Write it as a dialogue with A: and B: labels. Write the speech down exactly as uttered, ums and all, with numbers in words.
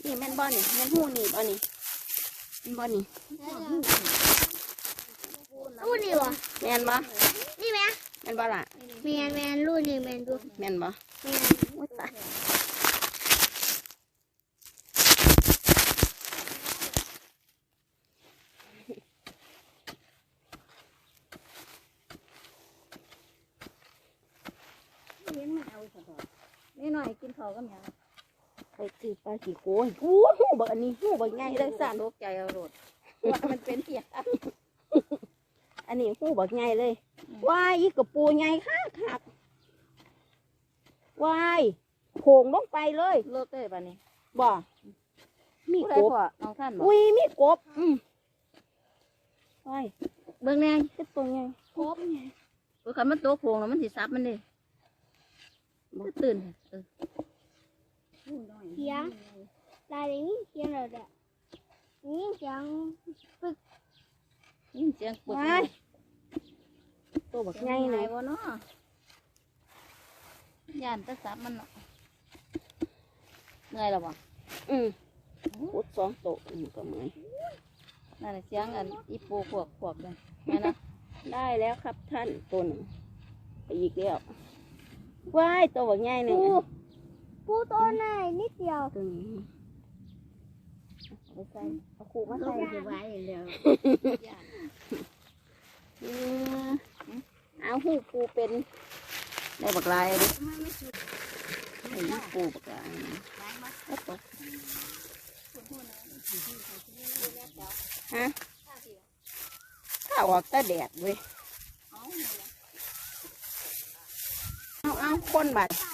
A: นี่แม่นบ่นี่แม่นหูนี่บ่นี่แม่นบ่นี่
B: รูนี่วะ
A: แม่นบ่
B: นี่ไหม
A: แม่นบ่ล่ะ
B: แมนแมนรูนี่แมนดู
A: แม่นบ่
B: แมน
A: โอ้ยตาย
C: เลี้ยงมาเอาสักหน่อยนี่หน่อยกินข้าวกับหยัง
A: ไปซื้อปลาขี้โกยอู้หูบักอันนี้หูบักใหญ่เลยสั่น
C: ตกใจเอาโลดว่ามันเป็นเหี้ย
A: อันนี้หูบักใหญ่เลยว้ายอีกระปูใหญ่คักคักว้ายโผงลงไปเลย
C: โลดเต้ป่ะนี่
A: บ่มี
C: ผู้ใด
A: กบ
C: พ่อน้องท่านบ่
A: อุ้ยมีกบอืมว้าย
C: เบิ่งแน่
A: เป็นตัวใหญ่กบไง
C: เบิ่งคันมันโตโผงแล้วมันสิซับมันดิบ่ตื่นเออ
B: เสียงลายนี้เสียงอะไรเนี่ยนี่เสียงปึ๊ก
C: ยินเสียงปวด
A: ว้ายตัวบักใหญ่เลย
C: บ่เนาะย่านแตะซับมันเนาะเหนื่อยแล้วบ่
A: อืมพุดสองโตะอืมก็เหมือน
C: นั่นน่ะเสียงอันอีปูขวบขวบเลยแม่นะ
A: ได้แล้วครับท่านตัวหนึ่งไปอีกแล้วว้ายตัวบักใหญ่หนึ่ง
B: ปูปูตัวไหนนิดเดียว
A: ตัวนี้เอาไปใส่เอาขู่มาใส่
C: ไว้แล้ว
A: อืมเอาหูปูเป็นได้บักลายดิไอ้ปูบักลายก็ตกฮะข้าวออกตาแดดเว้ยเอาเอาคนบัด